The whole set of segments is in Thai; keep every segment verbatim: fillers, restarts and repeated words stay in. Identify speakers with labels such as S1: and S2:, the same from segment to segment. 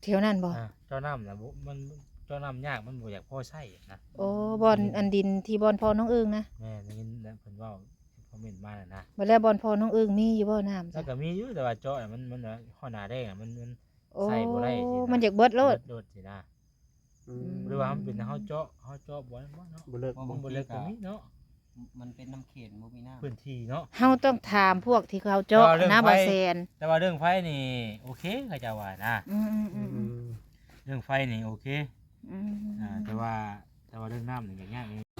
S1: เที่ยวนั้นบ่
S2: เจ้าน้ำนะมันเจ้าน้ำยากมันบ่อยากพ่อใช่นะ
S1: โอ้บอนอันดินที่บอนพ่อน้องเอิงนะ
S2: แม่ได้ยินเพิ่นเว้าคอมเมนต์มานะ
S1: บ่แล้วบอนพ่อน้องเอิงมีอยู่บ่น้ำ
S2: แล้วก็มีอยู่แต่ว่าเจาะมันมันข้อหน้าแดงมันมัน
S1: ใส่บ่ได้สิมันอยากเบิดโลด
S2: โดดสินะหรือว่ามันเป็นเฮาเจาะเฮาเจาะบ่บ่เนาะ
S3: บ่เลิก
S2: บ่เลิกก็มีเนาะ
S3: มันเป็นน้ำเข็มบ่มีน้ำ
S2: พื้นที่เนาะ
S1: เฮาต้องถามพวกที่เขาเจาะนะบ่แซน
S2: แต่ว่าเรื่องไฟนี่โอเคเขาจะว่านะ
S1: อืม
S2: ๆๆเรื่องไฟนี่โอเค
S1: อืม
S2: อ่าแต่ว่าแต่ว่าเรื่องน้ำนี่ก็ยากนี่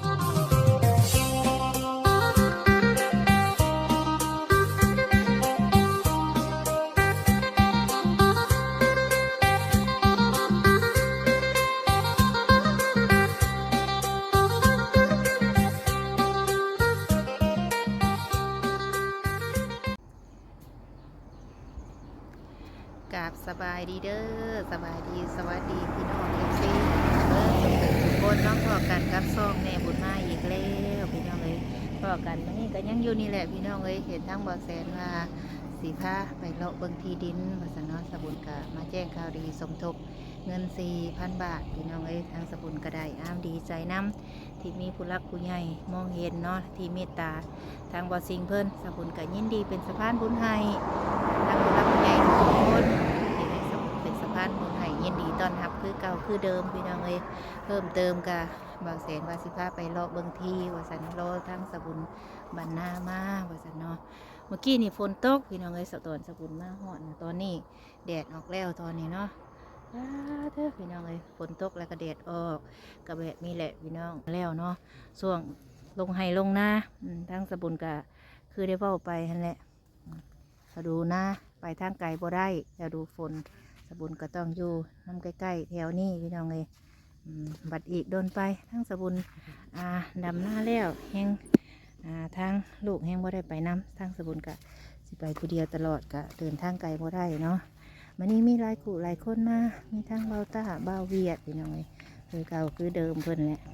S1: กราบสบายดีเด้อสบายดีสวัสดีพี่น้อง เอฟ ซี เบิ่งทุกคนน้องพอกันกับซ่องแม่บุญมาอีกแล้วพี่น้องเอ้ยพอกันมื้อนี้ก็ยังอยู่นี่แหละพี่น้องเอ้ยเห็นทั้งบ่แสนว่าสิพาไปเลาะเบิ่งที่ดินว่าซั่นเนาะสบุญก็มาแจ้งข่าวดีสมทบเงิน สี่พัน บาทพี่น้องเอ้ยทางสบุญก็ได้อ้ามดีใจนำที่มีผู้รักผู้ใหญ่มองเห็นเนาะที่เมตตาทางบ่สิ่งเพิ่นสบุญก็ยินดีเป็นสะพานบุญให้ทางผู้รักผู้ใหญ่ทุกคนที่ได้เป็นสะพานบุญให้ยินดีต้อนรับคือเก่าคือเดิมพี่น้องเอ้ยเพิ่มเติมก็บางแสนว่าสิพาไปเลาะเบิ่งที่ว่าซั่นรอทางสบุญบรรณามาว่าซั่นเนาะเมื่อกี้นี่ฝนตกพี่น้องเอ้ยสะตอนสบุญมาฮอดนะตอนนี้แดดออกแล้วตอนนี้เนาะเด้อพี่น้องเอ้ยฝนตกแล้วก็แดดออกก็แบบนี้แหละพี่น้องแล้วเนาะช่วงลงไห้ลงนาทางสบุญก็คือได้เว้าไปนั่นแหละถ้าดูนะไปทางไกลบ่ได้แล้วดูฝนสบุญก็ต้องอยู่น้ำใกล้ๆแถวนี้พี่น้องเอ้ยบัดอีกโดนไปทั้งสบุญอ่าดำหน้าแล้วแห้งอ่าทางลูกแห้งบ่ได้ไปน้ำทางสบุญกะสิไปผู้เดียวตลอดกะเดินทางไกลบ่ได้เนาะมันนี้มีหลายคู่หลายคนมามีทั้งเบาตาเบาเวียดพี่น้องเลยคือเก่าคือเดิมเพิ่นแหละ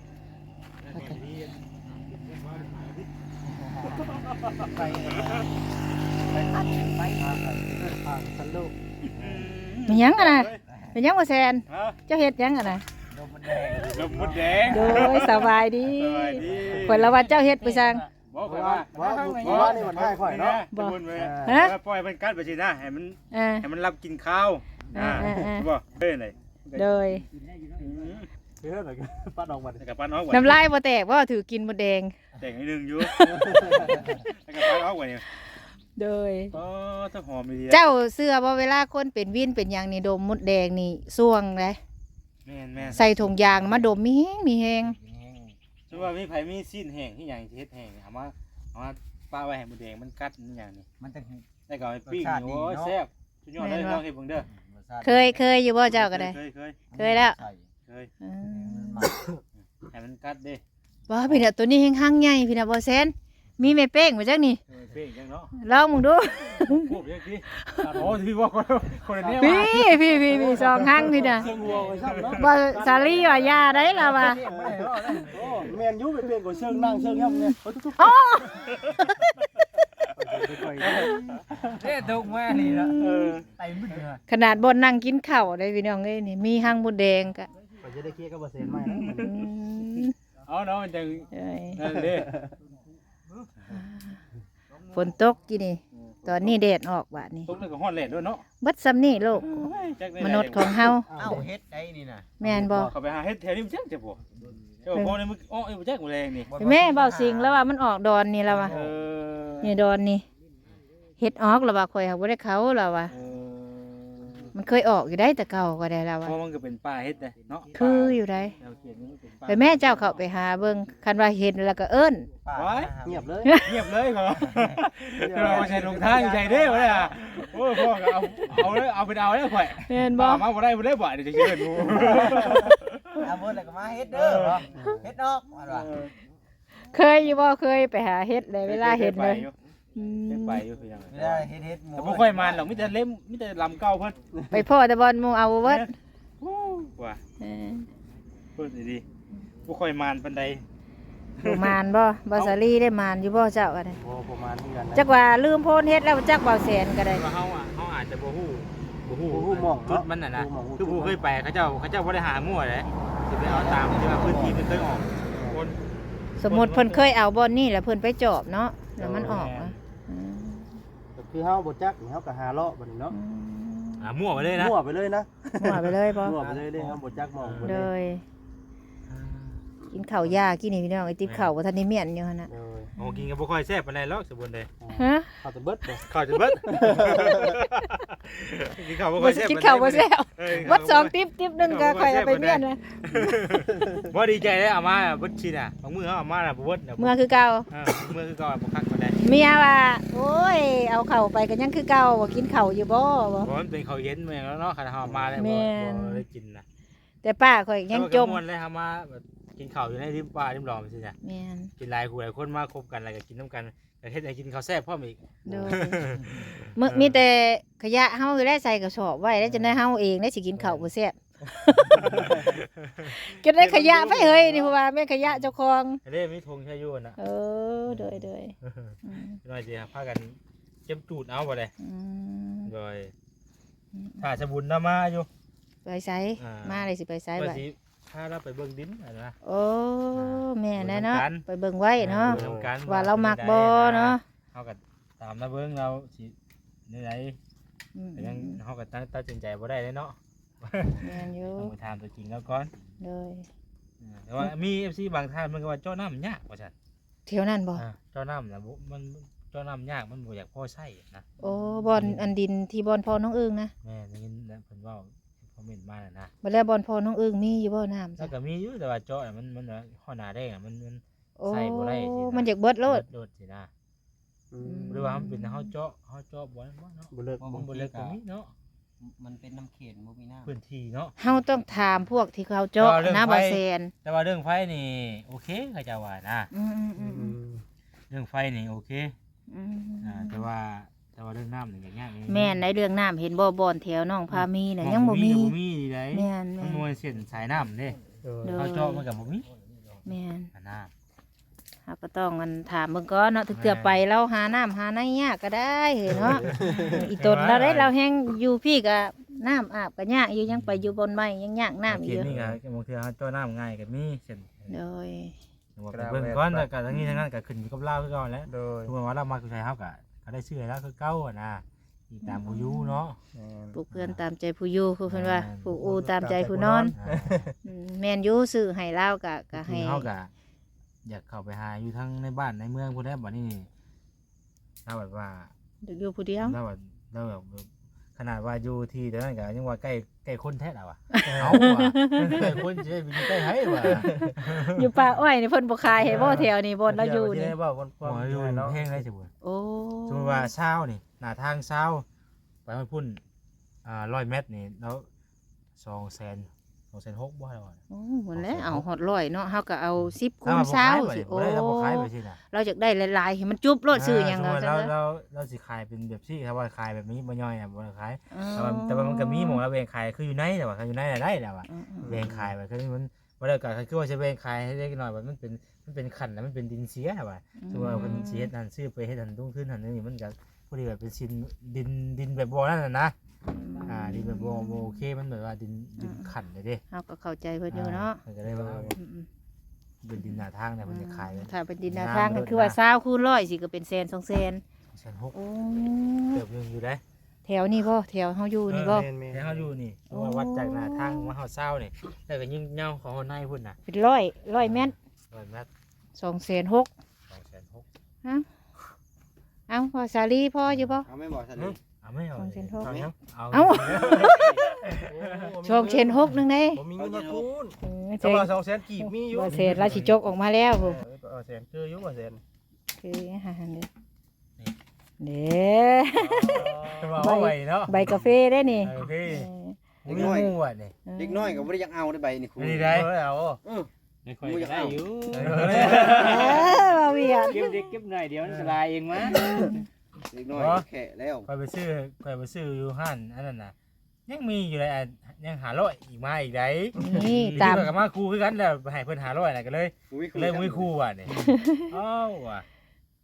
S3: ไปไปตัดไปหาทางสนุก
S1: มียังอะนะมียังบ่แซนเจ้าเฮ็ดยังอะนะ
S3: ลมมันแดง
S2: ลมมดแดง
S1: โดยสบายดีเพิ่นละว่าเจ้าเฮ็ดไปสั่ง
S2: บ่ข่อยว่า
S3: ว่าว่านี่มันง่ายข่อยเนาะ
S2: บ่ฮะปล่อยมันกัดไปสินะให้มันให้มันรับกินข้าวอ่าบ่เด้ไหน
S1: โดย
S3: เฮ็ดอะไรกันปัดออกมา
S2: กับปัดออก
S1: น้ำลายบ่แตกบ่ถือกินมดแดง
S2: แตกนิดนึงอยู่แล้วก็ปัดออกไว้นี่
S1: โดย
S2: อ๋อถ้าหอมดี
S1: เจ้าเสื้อบ่เวลาคนเป็นวินเป็นหยังนี่ดมมดแดงนี่ส่วงเลย
S2: แม่นๆ
S1: ใส่ถุงยางมาดมมีแห้งมีแห้ง
S2: สมมุติว่ามีไผมีซีนแห้งที่หยังสิเฮ็ดแห้งเอามาเอามาป้าไว้ให้มดแดงมันกัดนี่หยังนี่
S3: มันจะ
S2: ได้ก็ให้ปิ้งโอ้แซ่บสุดยอดเลยลองเฮ็ดเบิ่งเด้อ
S1: เคยเคยอยู่บ่เจ้าก็ได้
S2: เคยเคย
S1: เคยแล้ว
S2: เคยให้มันกัดเด้
S1: บ่พี่น่ะตัวนี้แห้งหั่งใหญ่พี่น่ะบ่แซนมีแม่เป้งบ่จักนี่
S2: เป้งจังเนาะ
S1: ลองมึงดู
S2: พูดจังซี่โอ้ที่ว่าคนนี้
S1: ว่าพี่พี่พี่สองหั่งพี่น่ะบ่สาลีว่ายาได้ล่ะว่า
S3: โอ้แม่นอยู่ไปเป้งก็เชิงนั่งเชิงย่ำเนี่ย
S1: อ๋อ
S3: เด้ตกมานี่ล่ะเออไตมึน
S1: ขนาดบ่นั่งกินข้าวได้พี่น้องเอ้ยนี่มีหั่งมดแดงก็
S3: ก็จะได้เคลียร์กับบ่เซ็นใหม่นะ
S2: อ๋อเนาะมันจังนั่นเด้
S1: ฝนตกกี่นี่ตอนนี้แดดออกบาดนี้
S2: ตกแล้วก็ฮ้อนแลดด้วยเนาะ
S1: บัดซ้ำนี่โลกมนุษย์ของเฮา
S3: เอ้าเฮ็ดได้นี่น่ะ
S1: แม่นบ่
S2: เข้าไปหาเฮ็ดแถวนี้มันจังจะบ่เจ้าพ่อนี่มึงอ้อไอ้บ่จักแรงนี่
S1: แม่เว้าสิงแล้วว่ามันออกดอนนี่แล้วว่า
S2: เออ
S1: นี่ดอนนี่เฮ็ดออกแล้วว่าข่อยเฮาบ่ได้เขาแล้วว่ามันเคยออกอยู่ได้แต่เก่าก็ได้แล้วว่า
S2: เพราะมันก็เป็นป่าเฮ็ดได้เนาะ
S1: คืออยู่ได้ไปแม่เจ้าเข้าไปหาเบิ่งคันว่าเห็นแล้วก็เอิ้น
S3: เงียบเลย
S2: เงียบเลยเหรอเราใช้ลงทางใช้เด้บ่ได้อ่ะโอ้พ่อก็เอาเอาเลยเอาไปเอาเลยข่อย
S1: แม่นบ่
S2: มาบ่ได้บ่ได้บ่เดี๋ยวจะเชิญหมู่
S3: เอาเบิ่แล้วก็มาเฮ็ดเด้อเฮ็ดเนาะว่า
S1: เคยอยู่บ่เคยไปหาเฮ็ดเลยเวลาเห็นเลย
S2: ไปอยู่คือยังไง
S3: เวลาเฮ็ดเฮ็ดหมู่
S2: แต่บ่ค่อยมันหรอกมีแต่เล่มมีแต่ลำเก่าเพิ่น
S1: ไปพ่อแต่บอลหมู่เอาเบิด
S2: ว่าเออพูดดีๆบ่ค่อยมันปานใด
S1: บ่มานบ่บ่สาลีได้มานอยู่บ่เจ้าก็ได้
S3: บ่ประมาณนี้กัน
S1: จักว่าลืมโพนเฮ็ดแล้วจักเบาแสนก็ได้
S2: ว่าเฮาอ่ะเฮาอาจจะบ่ฮู้บ่ฮู้
S3: บ่ฮู้หม้อง
S2: จุด
S3: เนาะ
S2: มันน่ะนะ
S3: บ่ฮู้หม้อง
S2: คือผู้เคยไปเขาเจ้าเขาเจ้าบ่ได้หามั่วเลยสิไปเอาตามที่ว่าพื้นที่มันเคยออกคน
S1: สมมุติเพิ่นเคยเอาบอนนี่แล้วเพิ่นไปจอบเนาะแล้วมันออกอะอืม
S3: ก็คือเฮาบ่จักนี่เฮาก็หาเลาะบัดนี้เนาะ
S1: อืม
S2: หามั่วไปเลยนะ
S3: มั่วไปเลยนะ
S1: มั่วไปเลยบ่
S3: มั่วไปเลยเด้เฮาบ่จักหม้องบ่
S1: เล
S3: ได้
S1: ยกินข้าวยากินนี่พี่น้องไอ้ติ๊บข้าวบ่ทันได้เมียนอยู่หั่นน่ะ
S3: เออ
S2: โอ้กินก็บ่ค่อยแซ่บปานใดหรอกสมบูรณ์เลย
S1: ฮะ
S3: เข้าแต่เบิดบ่
S2: ข้าวจะเบิดกินข้าวบ่ค่
S1: บ่
S2: อยแซ่บ
S1: กินข้าวบ่แซ่บ
S2: เออ
S1: วัดสองติ๊บติ๊บหนึงก็ค่อยเอาไปเมียนนะ
S2: บ่ดีใจเลยเอามาเบิดชิน่ะบางมื้อเฮาเอามาน่ะบ่เบิดน่ะ
S1: เมื่อคือเก่า
S2: เออเมื่อคือเก่าบ่คักปานใด
S1: เมียว่าโอ้ยเอาเข้าไปก็ยังคือเก่าบ่กินข้าวอยู่บ่บ่
S2: เพราะมันเป็นข้าวเย็นแม่งแล้วเนาะคันเฮาเอามาแล้ว
S1: แม่
S2: บ่
S1: น
S2: บ่ได้กินน่ะ
S1: แต่ป้าข่อยยังจม
S2: แต่ว่าก็ม่วนเลยเฮามาแบบกินข้าวอยู่ในริมป่าริมหลอมสิจ้ะ
S1: แม่น
S2: กินหลายคู่หลายคนมาคบกันแล้วก็กินน้ำกันแต่เฮ็ดให้กินข้าวแซ่บพร้อมอีก
S1: โดยมึมีแต่ขยะเฮาได้ใส่กระสอบไว้แล้วจะได้เฮาเองได้สิกินข้าวบ่แซ่บก็ได้ขยะไปเฮ้ยนี่เพราะว่าแม่นขยะเจ้าของ
S2: เด้มีธงชายุน่ะ
S1: เออโดยโดยอืม
S2: น้อยสิพากันเก็บจูดเอาบ่ได้
S1: อืม
S2: โดยถ้าสบุญนำมาอยู่
S1: ไปไส
S2: อ่าม
S1: มาเลยสิไปไส
S2: ว่า
S1: บัด
S2: สิพาเราไปเบิ่งดินอะนะ
S1: โอ้แม่นแน่เนาะ
S2: เบิ่งกัน
S1: ไปเบิ่งไว้เนาะ
S2: เบิ่งกัน
S1: ว่าเรามักบ่เนาะ
S2: เฮาก็ตามมาเบิ่งเราสิในไหน
S1: อืม
S2: แต่ยังเฮาก็ตัดตัดสินใจบ่ได้เลยเนาะ
S1: แม่นอยู่
S2: ต้องไปถามตัวจริงแล้วก่อน
S1: เลย
S2: อ่าแต่ว่ามี เอฟ ซี บางท่านมันก็ว่าเจ้าน้ำยากว่าซั่น
S1: เที่ยวนั่นบ่
S2: อ่าเจ้าน้ำนะบ่มันเจ้าน้ำยากมันบ่อยากพ่อใช้นะ
S1: โอ้บอนอันดินที่บอนพ่อน้องอึ้งนะ
S2: แม่ได้ยินแล้วเพิ่นเว้าคอมเมนต์มาน่ะนะ
S1: บ่แล้วบอนพ่อน้องอึ้งมีอยู่บ่น้ำ
S2: แล้
S1: จ้ะ
S2: วก็มีอยู่แต่ว่าเจาะน่ะมันมันว่าข้อหน้าแดงอะมันมัน
S1: โอ้
S2: ใส่บ่ได้สินะ
S1: มันอยากเบิดโลด
S2: โดดสินะ
S3: อืม
S2: หรือว่ามันเป็นเฮาเจาะเฮาเจาะบ่ได้บ่เนาะ
S3: บ่เลิก
S2: มันบ่เล็กก็มีเนาะ
S4: มันเป็นน้ำเข็มบ่มีน้ำ
S2: พื้นที่เนาะ
S1: เฮาต้องถามพวกที่เขาเจาะ
S2: เอาเรื่อง
S1: นะ
S2: ไฟ
S1: บ่แซน
S2: แต่ว่าเรื่องไฟนี่โอเคเขาเจะว่านะ
S1: อืมอืมอืม
S3: อื
S1: อืม
S3: ม
S2: เรื่องไฟนี่โอเค
S1: อืม
S2: อ่าแต่ว่าแต่ว่าเรื่องน้ำนี่ก็ยากนิดนึง
S1: แม่นในเรื่องน้ำเห็นบ่บอนแถวน้องพามีน่ะยังบ่มี
S2: ก็บ่มีได้
S1: แม่น
S2: มั
S1: แม่
S2: น
S1: น
S2: มวยเส้นสายน้ำเด้
S3: เออ
S1: เด้อ
S2: เขาเจาะมันก็บ่มี
S1: แม่น
S2: อันน่ะ
S1: เฮาก็ต้องมันถามเบิ่งก่อนเนาะถึงเกือไปเราหาน้ำหาในยากก็ได้เฮ้ยเนาะ อีตนเราได้เราแฮงอยู่พี่ก็น้ำอาบก็ยากอยู่ยังไปอยู่บนไม้ยังยากน้ำอี
S2: เขี
S1: ก
S2: ยน
S1: อยู่
S2: นี่ก็บางทีเขาเจาะน้ำง่ายก็มีเส้น
S1: โดย
S2: ว่าไปเบิ่งก่อนแล้วก็ทั้งนี้ทั้งนั้นก็ขึ้นอยู่กับเราคือเก่าแหล้ว
S3: โดย
S2: ทุกคนว่าเรามาคือใครเฮาก็ก็ได้ชื่อแล้วคือเก่าอะนะอีตามผู้อยู่เนาะ
S3: แม่น
S1: ปลูกเพื่อนตามใจผู้อยู่คือเพิ่นว่า
S2: แม่น
S1: ปลูกอูตามใจผู้นอน
S2: อ่า
S1: อืมแม่นอยู่ซื้อให้เราก็ก็
S2: คื
S1: ให้
S2: อเฮาก็อยากเข้าไปหาอยู่ทั้งในบ้านในเมืองพุ่นแหล้วบัดนี้เราแบบว่า
S1: อยู่ผู้เดียว
S2: เราแบบเราแบบขนาดว่าอยู่ที่แต่นั้นก็ยังว่าใกล้ใกล้คนแท้แล้วอ่ะเอาว่ะใกล้คนจะไปอยู่ใกล้ไผว่ะ
S1: อยู่ป่าอ้อยนี่เพิ่นบ่ขายให้บ่แถวนี่บ่เราอยู่นี่
S3: ได้บ่คนค
S2: บ่
S3: วาม
S2: อยู่
S3: เนาะ
S2: เพลงได้สิบ่
S1: โอ้
S2: สมมุติว่าเช้านี่หน้าทางเช้าไปฮอดพุ่นอ่าร้อยเมตรนี่แล้วสองแสนสองแสนหกบ่ได้ว่า
S1: โอ้หมดแล้วเอาฮอดร้อยเนาะเฮาก็เอาสิบคู
S2: ถ้า
S1: ณ
S2: ว่าบ่
S1: เช้า
S2: ขายบ่
S1: สิ
S2: ได้
S1: โอ้
S2: บ่ได้ถ้าบ่ขายไปสิน่ะ
S1: เราอยากได้หลายๆให้มันจุบโลดซื้อหยัง
S2: สม
S1: ก็
S2: มุติ
S1: จั
S2: เรา
S1: งเด้อ
S2: เราเราสิขายเป็นแบบซี่ถ้าว่าขายแบบนี้บ่ย่อยน่ะบ่ได้ขาย
S1: อ๋อ
S2: แต่ว่าแต่ว่ามันก็มีหม่องละแบ่งขายคืออยู่ในแต่ว่าอยู่ในน่ะได้แล้วอ่ะ
S1: อืมอืม
S2: แบ่งขายไปคือมันบ่ได้ก็คือว่าจะแบ่งขายให้เล็กน้อยแบบมันเป็นมันเป็นขันน่ะมันเป็นดินเสียว่ะ สมมุติว่าเพิ่นสิเฮ็ดนั่นซื้อไปเฮ็ดนั่นตุ้งขึ้นนั่นนี่มันก็พอดีแบบเป็นชินดินดินแบบบ่นั่นน่ะนะอ่าดินแบบบ่บ่โอเคมันแบบว่าดินดินขันเลยเด้
S1: เฮาก็เข้าใจเพิ่นอยู่เนาะ
S2: มันก็เลยว่า
S1: อืม
S2: เป็นดินหน้าทางเนี่ย
S1: ๆ
S2: มันจะขายเลย
S1: ถ้าเป็นดินหนาทางก็คือว่าเช้าคูณร้อยสิก็เป็นแสนสองแสน
S2: แสนหก
S1: โอ้
S2: เกือบนึงอยู่ได้
S1: แถวนี้บ่แถวเฮาอยู่นี่บ่
S3: แม่นแม่น
S2: แต่เฮาอยู่นี่เพราะว่าวัดจากหน้าทางมาเฮาเช้านี่แล้วก็ยิ่งเหย้าของเฮาในพุ่นน่ะ
S1: เป็นร้อยร้อยเมตร
S2: ร้อยเมตร
S1: สองแสนหก
S2: สองแสนหก
S1: เอ้าพอสาลีพ่ออยู่บ่
S3: เอาไม่บอกฉันนี่
S2: เอาไม่เอา
S1: สองแสนหก
S2: เอายังเอา
S1: เอ้า สองแสนหกนึงเด้
S3: ผมมีเงินมาคูณ
S1: เออ
S3: สำหรับสองแสนกีบมีอยู่
S1: บ่แสนราสิจกออกมาแล้วพุ่น
S3: เออแสนคืออยู่บ่แสน
S1: คือหาเด้อเด้
S2: จะมาเอาไว้เนาะ
S1: ใบกาแฟได้นี่
S2: โอเค
S1: เออ
S2: มีหมู่อ่ะนี่
S3: เด็กน้อยก็บ่ได้อยากเอาได้ใบนี่คูณ
S2: นี่ได้
S3: เอา
S4: ไม่ค่อยได้อยู่
S1: เออบ่เวียน
S4: เก็บเด็กเก็บหน่อยเดี๋ยวมันสลายเองมั้ง
S3: เด็กน้อยแค่แล้ว
S2: ไปไปซื้อไปไปซื้ออยู่ห้านอันนั้นน่ะยังมีอยู่เลยอ่ะยังหาร้อยอีกมาอีกได้
S1: นี่
S2: ตา
S1: ตาม ม
S2: กับมาครูคือกันแล้วให้เพิ่นหาร้อยน่ะก็เลยก็เลยมุ้ยครูว่ะนี่อ้าวว่ะ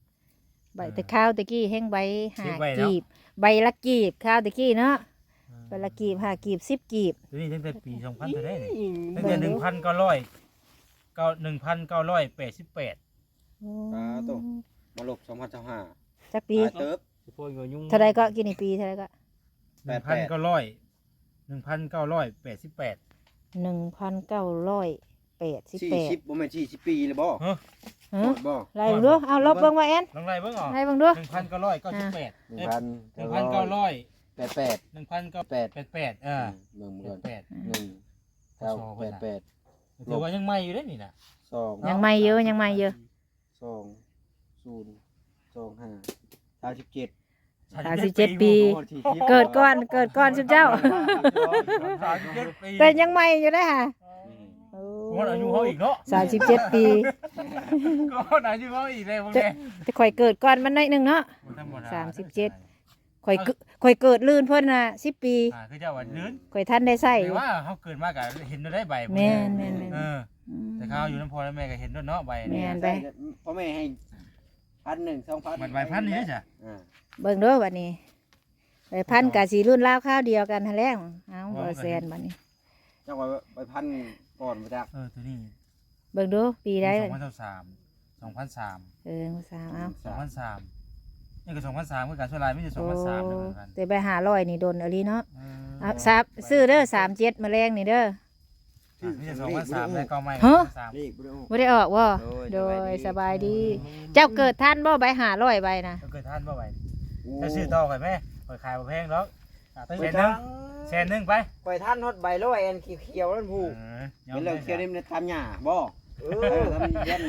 S1: ใบตะข้าวตะกี้แห้งใบหา
S2: สิบใบเนาะ
S1: กีบใบละกีบข้าวตะกี้เนาะใบคนละกีบห้ากีบสิบกีบ
S2: ตัวนี้ตั้งแต่ปีสองพันเท่าไหร่นี่ตั้งแต่หนึ่งพันเก้าร้อยเก้าหนึ่งพันเก้าร้อยแปดสิบแปด
S3: ปลาโตมาลบสองพันสิบห้า
S1: จักปี
S3: เติบ
S4: พวกยุ่ง
S1: เท่าไรก็กินในปีเท่าไรก็
S2: หนึ่งพันเก้าร้อยหนึ่งพันเก้าร้อยแปดสิบแปด
S1: หนึ่งพันเก้าร้อยแปดสิบ
S3: สี่
S1: แปด
S3: สิบบ่แม่นสี่สิบปีเลยบ่
S1: ฮะ
S3: บ่
S1: ไรเบิ่งดูเอาลบเบิ่งว่าแอน
S2: ลองไล่เบิ่งออก
S1: ไรเบิ่งดู
S2: หนึ่งพันเก้าร้อยเก้าสิบแปด
S3: หนึ่งพัน
S2: หนึ่งพันเก้าร้อย
S3: แปดแปด
S2: หนึ่งพันเก้า
S3: แปด
S2: แปดแปดเออ
S3: เบิ่ง
S2: แป
S3: เบิ่
S2: ด
S3: ง
S2: แปด
S3: หนึ่งเก้าแปดแปด
S2: ถือว่ายังใหม่อยู่เด้นี่น่ะ
S3: สอง
S1: ยังไม่เยอะยังไม่เยอะ
S3: สองศูนย์สองห้าสามสิบเจ็ด
S1: สามสิบเจ็ดปี เกิดก่อนเกิดก่อนสุดเจ้า
S2: สามสิบเจ็ดปี
S1: แต่ยังไม่อยู่ได้ค่ะ
S2: ผมว่าอายุเขาอีกเนาะ
S1: สามสิบเจ็ดปี
S2: ก็อายุเขาอีกเลยพวก
S1: จะ
S2: นี้
S1: จะข่อยเกิดก่อนมันหน่อยหนึงเนาะ
S2: ธรรด
S1: สามสิบเจ็ด ข่อยเกิดข่อยเกิดลื่นเพิ่นน่ะสิบปี
S2: อ่าคือเจ้าว่าลื่น
S1: ข่อยท่านได้ใส่
S2: แต่ว่าเขาเกิดมากอะเห็นได้ใบ
S1: แม่นแม่นแม่น
S2: เออแต่เขาอยู่น้ำพอแล้วแม่ก็เห็นด้วยเนาะใบ
S1: แม่
S2: เนี่ย
S1: นไป
S3: พ่อแม่ให้พันหนึ่งสองพัน
S2: มันใบพันนี่จ้ะ
S3: อ่า
S1: เบิ่งเด้อบัดนี้ไปพันกะสีรุ่นราวข้าวเดียวกันหั่นแหล้วเอาบ่แซนบัดนี้
S3: เจ้าว่าไปพันก่อนมาจาก
S2: เออตัวนี้
S1: เบิ่งดูปีใด
S2: สองพันสามสองพันสาม
S1: เออสามเอา
S2: สองพันสามนี่ก็สองพันสามคือการช่วยลายไม่ใช่สอง
S1: โอ้
S2: พันสามเหมือนกัน
S1: แต่ไปหาร้อยนี่โดนอลีเนาะ
S2: เอ
S1: เอาซับซื้อเด้อสามเจ็ดแมลงนี่เด้อ
S2: ไม่ใช่สองพันสามแล้วก็ไม่
S1: ฮะ
S2: สาม
S3: นี่บ่ได้ออก
S1: บ่ได้ออกว่า
S3: โด
S1: โด
S3: ย
S1: ยส
S3: ส
S1: บา
S3: บาย ยดี
S1: ดี เจ้าเกิดท่านบ่ใบหาร้อยใบนะ
S2: ก็เกิดท่านบ่ไหวจะซื้อต่อกันไหมปล่อยขายมาแพงหรอกแสนหนึ่งแสนหนึ่งไป
S5: ปล่อยท่านฮอดใบร้อยอันเขียวๆนั่นผู้
S2: เออ
S3: เป็นเรื่องเคี่ยวนี่มันทำหญ้าบ่
S5: เอ
S3: เอ
S5: อ
S3: อทำเย็น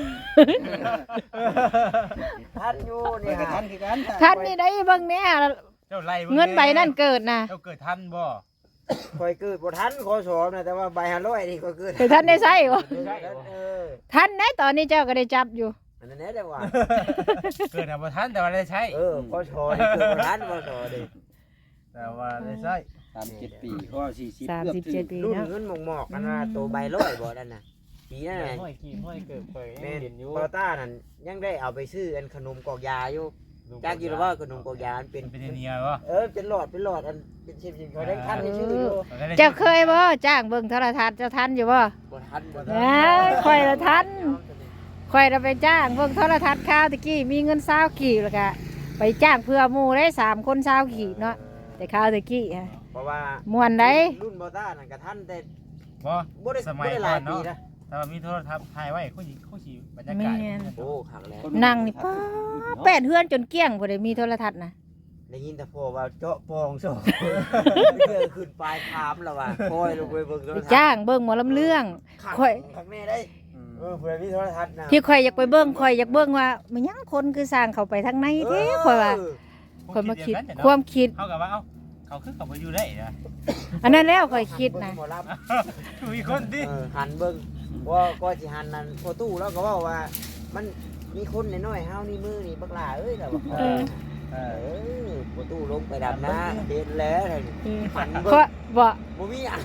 S5: ท่านอยู่
S3: นี่
S5: นี่
S3: ก็ทั
S5: ฮะ
S3: นคือกัน
S1: ท่านนี่ได้เบิ่งแหน่
S2: เจ้าไล่
S1: เงินใบนั่นเกิดนะ
S2: เจ้าเกิดท่านบ่
S5: คอยเกิดบ่ทันขอสอบนะแต่ว่าใบห้าร้อยนี่ก็เกิด
S1: แต่ท่านได้ใช้บ่
S5: เออ
S1: ท่านได้ตอนนี้เจ้าก็ได้จับอยู่
S5: อันนั้นแน่ได้ว่า
S2: เกิดบ่ท่านแต่ว่าได้ใช้
S5: เออขอสอบนี่เกิดบ่ทันขอสอบดิ
S2: แต่ว่าได้ใช้
S3: สามสิบเจ็ดปีก็สี่สิบ
S1: สามสิบเจ็ดปี
S5: รุ่น
S1: เนาะ
S5: เงินหมอกๆกันว่าตัวใบร้อยบ่นั่นน่ะปีนั้นน่ะ
S4: ห้อยกี่ห้อยเกิดเผย
S5: แม่
S4: เห็นอยู่
S5: ปอต้านั่นยังได้เอาไปซื้ออันขนมกอกยาอยู่จักอยู่แล้วว่าขนมกอกยาอันเป็น
S2: เป็นเนียบ่
S5: เออเป็นหลอดเป็นหลอดอันเป็นชิมๆเขาได้ทันได้ชื่ออยู่
S1: เจ้าเคยบ่จ้างเบิ่งโทรทัศน์เจ้าทันอยู่บ่
S5: บ่ทันบ่
S1: เอ้ยข่อยละทันข่อยละไปจ้างเบิ่งโทรทัศน์ข้าวตะกี้มีเงินเช้ากี่แล้วก็ไปจ้างเพื่อหมู่ได้สามคนเช้ากี่เนาะแต่ข้าวตะกี้ฮะ
S5: เพราะว่า
S1: ม่วนได้
S5: รุ่นปอต้านั่นก็ทันแต่
S2: บ่
S5: บ่ได้
S2: ส
S5: บ่
S2: มัย
S5: ได้ห
S2: ก่อ
S5: ลาย
S2: น
S5: ปี
S2: เนาะ
S5: นะ
S2: ถ้ามีโทรทัศน์ถ่ายไว้เขาสิเขาสิบรรยากาศ
S5: โอ้ขังแล้ว
S1: นั่งนี่ป้าแปดเฮือนจนเกลี้ยงบ่ได้มีโทรทัศน์นะ
S5: ได้ยินแต่พ่อว่าเจาะปองสองเกิดขึ้นปลายคามแล้วว่าคอยลงไปเบิ่งโท
S1: ไป
S5: รทัศน์
S1: จ้างเบิ่งหมอลำเรื่อง
S5: ขัง
S1: ค่อย
S5: ขังแม่ได้เออเผื่อมีโทรทัศน์นะ
S1: ที่ข่อยอยากไปเบิ่งข่อยอยากเบิ่งว่ามันยังคนคือสร้างเข้าไปทางในแท้ข่อยว่าข่อยมาคิดความคิด
S2: เขากับว่าเอ้าเขาคือเขาไปอยู่ได้นะ
S1: อันนั้นแล้วข่อยคิดนะ
S5: หมอลำ
S2: มีคนดิ
S5: เออหันเบิ่งว่าก็สิหันนั่นพอตู้แล้วก็เว่าว่า มันมีคนน้อยๆเฮานี่มือนี่บักหลาเอ้ยแล้วว่าเออเออพอตู้ลงไปดำนะเห็นแล้วเลยหัน
S1: เพ
S5: เบิ่
S1: ราะ
S5: ง
S1: บ่
S5: บ่มีอ่ะ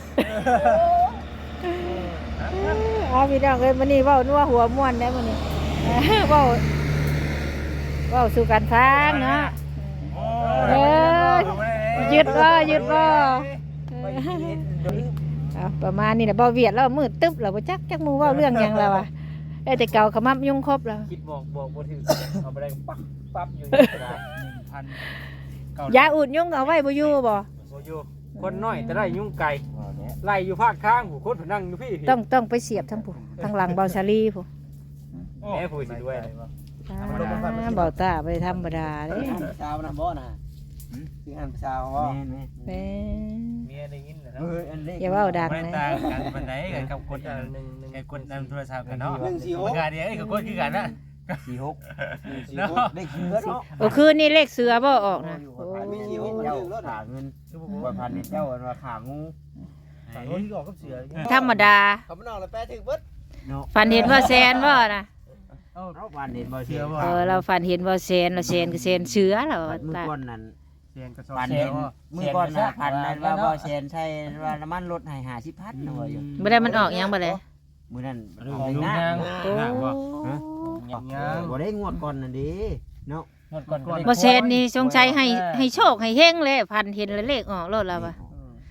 S1: เอาพี่น้องเอ้ยมื้อนี้เว้านัวหัวม่วนได้มื้อนี้ เว้าเว้าสู่กันฟังเนาะ
S2: โอ้
S1: ยึดบ่ยึดบ่
S5: ไปเห็นเดี๋ยวนี้
S1: เอาประมาณนี้แหละบ่เวียดแล้วมืดตึ๊บแล้วบ่จักจักหมู่เว้าเรื่องหยังแล้วอ่ะเอ้ยแต่เก่าขมับยุ่งครบแล้ว
S4: คิดบอกบอกบ่ถึงเอาไปได้ปั๊บปั๊บอยู่ในกระดาษ
S2: หนึ่งพันเก้าย
S1: าอุดยุ่งเอาไว้บ่อยู่บ่
S4: โอ้ยคนน้อยแต่ได้ยุ่งไก่ไล่อยู่ภาคข้างผู้คนนั่งอยู่พี่
S1: ต้องต้องไปเสียบทั้งผู้ทางหลังเบาชาลีผู้
S4: แม่ผู้สิด้วย
S1: อ่าเบาตาไปธรรมดาเด้
S3: หันสาวนะบ่นะคือหันสาวบ่
S1: แม่
S4: เมียได้ยินแล้ว
S3: เอออันเล็ก
S1: อย่าเว้าดัง
S2: ไม่
S1: นะ
S2: ต่างกันปานใดกันกับคนอัน
S4: หนึ่งหนึ่ง
S2: ไอ้คนนำโทรศัพท์กันเนาะ
S3: หนึ่งสี่หก
S2: งานเดียวไอ้กับคนคือกันนะ
S3: สี่หกหนึ่งสี่หกได้เชื้อเนาะ
S1: โอ้คืนนี้เลขเสือบ่ออกนะโอ้
S3: มีสี่หกมัน
S5: เจ้า
S3: ดึงรถ
S5: ขาเงินว่าพันนี่เจ้าว่าขางู
S2: ฝั่งนู้นที่ออกกับเสือ
S1: ธรรมดา
S3: เขาไม่นอกเลยแปะถึงเบิด
S1: ฝันเห็นว่าแซนบ่นะ
S5: เอาพันเห็นบ่
S2: เสื
S5: เชื่
S2: อ
S5: อ
S2: ว่า
S1: เออเราฝันเห็นว่าแซนเราแซนก็แซนเสือแล้ว
S5: มือ
S1: ตา
S5: ก้อนนั่น
S2: เสือกระสอบ
S5: พัน
S2: เสื
S5: เห็
S2: อน ว่า
S5: มือก้อนน่ะพันนั่นว่าบ่เชนใช่ว่าน้ำมันลดให้ห้าสิบพันนะว่าอยู่
S1: บ่ได้มันออกยังบ่เลย
S5: มื้อนั้น
S2: ดู
S5: ออก
S2: ดู
S5: หน้า
S2: นาง
S1: โอ้
S2: นางว่า
S4: ยัง
S5: บ่ได้งวดก่อนนั่นดิเนาะ
S4: หมดก่อน
S1: บ่แซนนี่สงสัยให้ให้โชคให้เฮงเลยพันเห็นแล้วเลขออกโลดแล้วว่ะ
S2: แ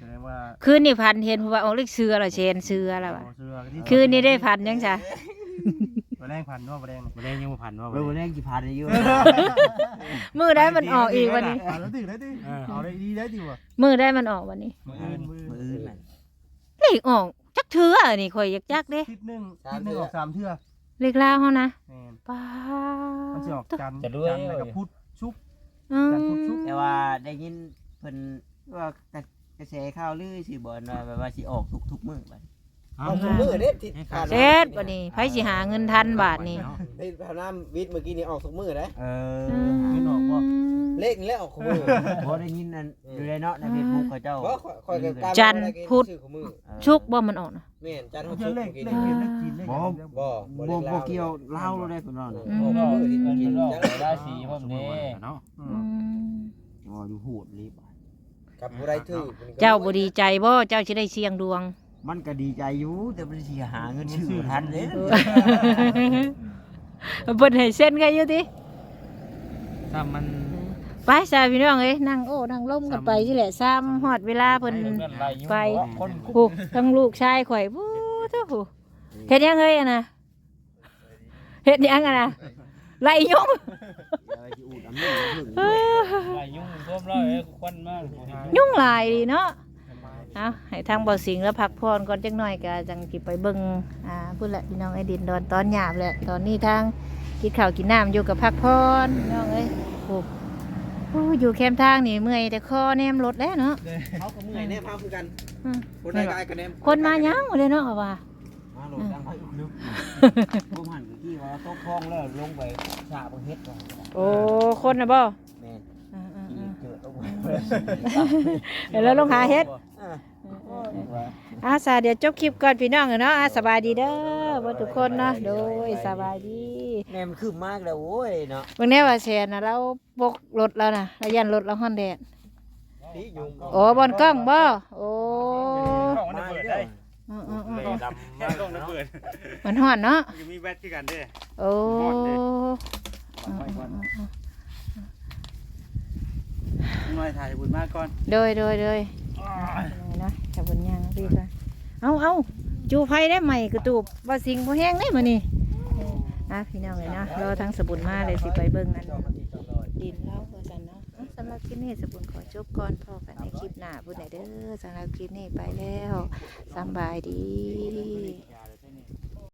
S1: คืนนี่พันเห็นเพราะว่าออกเลขเสือเหรอเชนเสือแล้วว่ะ
S3: เสือที่
S1: คืนนี่ได้พันยังจ้ะ
S3: บ่แรงพันว่าบ่แรง
S2: บ่ได้ยังบ่ผ่านว่า
S5: เบอร์แรกกี่พันอายุ
S1: มือได้มันออกอีกวันนี้
S3: อ่าแล้วติได้ติเอาได้ดีได้ติว่ะ
S1: มือได้มันออกวันนี้
S3: มืออื่นมือ
S5: มือ
S3: อื่
S5: อื่
S3: น
S5: นน่ะ
S1: เลขออกจักเถื่อนี่ข่อยอยากจักเด้
S3: ทิศหนึงทิศหนึงออกสามเทื่อ
S1: เลขลาวเฮานะ
S3: แม่น
S1: ป้า
S3: มันสิออกจันทร์
S2: จะด้วย
S3: จันทร์แล้วก็พุธชุก
S1: อืม
S5: แต่ว่าได้ยินเพิ่นว่ากระแสข่าวลือสิบ่ว่าแบบว่าสิออกทุกๆมื้อบัด
S6: เอาสมมือเด้ที่ผ่าน
S1: เซ็ดวันนี้ไผสิหาเงินทันบาทนี่
S6: ในผ่านน้ำวิทย์เมื่อกี้นี่ออกสมมือได้
S5: เออ
S3: เงินออกบ่
S6: เลขนี่แหละออกสมมือ
S5: บ่ได้ยินนั่นอยู่ในเนาะใน Facebook เขาเจ้า
S6: เพราะคอยกับการ
S1: จันทร์พุธ
S6: ชื่อของมือ
S1: ชุกบ่มันออกนะ
S6: แม่นจันทร์
S3: เขา
S6: พุธ
S3: จะ
S6: ชุก
S3: เลข
S6: เมื่อกี้
S3: เล
S6: นี่
S3: ขเลขจีนเลข
S6: บ่บ่
S5: บ่บ่เกี่ยวเล่าได้เพิ่นว่าน่ะ
S1: อืม
S6: ออกสมมือที่กิน
S2: ราศีพวกนี้เนาะ
S3: อื
S1: อื
S3: ม
S1: ม
S5: อ๋ออยู่โหดรีบ
S6: กับผู้ใดถือ
S1: เจ้าบ่ดีใจบ่เจ้าสิได้เสี่ยงดวง
S5: มันก็ดีใจอยู่แต่มันสิหาเงินซื้อทันเด้
S1: เพิ่นให้เส้นกันอยู่ติ
S2: ถ้ามัน
S1: ไปซะพี่น้องเอ้ยนั่งโอ้นั่งล้มกันไปนี่แหละซ้ำฮอดเวลาเพิ่น ไป
S2: คน
S1: ผูกทั้งลูกชายข่อยผู้เจ้าผู้เฮ็ดหยังเฮ้ยอะนะเฮ็ดหยังอะนะไล่ยุง
S2: ลายยุ่งท่วมร้อยควันมาก
S1: ยุงหลายดีเนาะเอาให้ทางบ่อสิงห์แล้วพักผ่อนก่อนจักหน่อยก็จังสิไปเบิ่งอ่าพุ่นแหละพี่น้องไอ้ดินดอนตอนหยาบแหละตอนนี้ทางกินข้าวกินน้ำอยู่กับพักผ่อนพี่น้องเอ้ยโอ้โอ้อยู่แคมป์ทางนี่เมื่อยแต่คอแนมรถแล้วเนาะ
S6: เขาก็เมื่อยแน่พาคือกัน
S1: อืม
S6: คนได้กายกันแน่
S1: คนมายังบ่ได้เนาะว่า
S5: มาลงดังไปลึกผมหันไปที่ว่าตกคลองแล้วลงไปสระบ่เฮ็ดก่อน
S1: โอ้คนน่ะบ่
S5: แม่น
S1: อ่า
S5: ที่
S1: ๆ
S5: เกิดลงไป
S1: ๆเดี๋ยวเราลงหาเฮ็ด อาสาเดี๋ยวจบคลิปก่อนพี่น้องเนาะอาสบายดีเด้อบ่ทุกคนเนาะโดยสบายดี
S5: แม่มันคืบมากแล้วโว้ยเนาะ
S1: เบิ่งแน่ว่าแซนน่ะเราบกรถแล้วน่ะเรายันรถเราฮ้อนแดด
S6: ที่ยุง
S1: โอ้บอนกล้องบ่โอ้
S5: มาเด้อ
S1: อือ
S2: ดำมากต้องระเบิด
S1: ๆมันฮ้อนเนาะ
S2: จะมีแบตที่กันเด้
S1: โอ้อืม
S3: น้อยถ่ายบุญมากก่อน
S1: ๆโดยโดยโดยเนาะถ้าบนย่างพี่ก่อนเอาเอาจูไผได้ใหม่กระตูบว่าสิงบ่แห้งได้มื้อนี้อ่ะพี่น้องเลยเนาะรอทางสบุญมาเลยสิไปเบิ่งกัน ดินเล่าเพื่อกันเนาะอ่ะสำหรับคลิปนี้สบุญขอจบก่อนพอกันในคลิปหน้าบุญไหนเด้อสำหรับคลิปนี้ไปแล้วสำบายดี